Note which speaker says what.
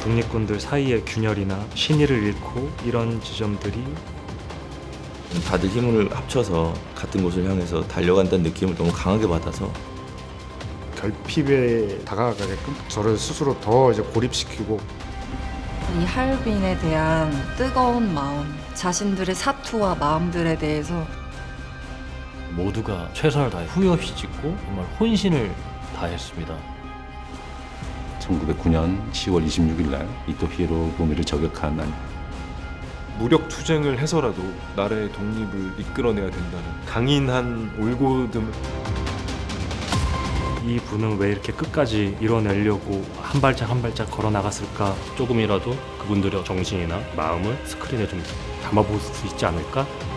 Speaker 1: 독립군들 사이의 균열이나 신의를 잃고 이런 지점들이
Speaker 2: 다들 힘을 합쳐서 같은 곳을 향해서 달려간다는 느낌을 너무 강하게 받아서
Speaker 3: 결핍에 다가가게끔 저를 스스로 더 이제 고립시키고
Speaker 4: 이 하얼빈에 대한 뜨거운 마음, 자신들의 사투와 마음들에 대해서
Speaker 5: 모두가 최선을 다해 후회 없이 짓고 정말 혼신을 다했습니다.
Speaker 6: 1909년 10월 26일 날 이토 히로부미를 저격한 날
Speaker 7: 무력 투쟁을 해서라도 나라의 독립을 이끌어내야 된다는 강인한 올곧음을
Speaker 1: 이 분은 왜 이렇게 끝까지 이뤄내려고 한 발짝 한 발짝 걸어 나갔을까?
Speaker 5: 조금이라도 그분들의 정신이나 마음을 스크린에 좀 담아볼 수 있지 않을까?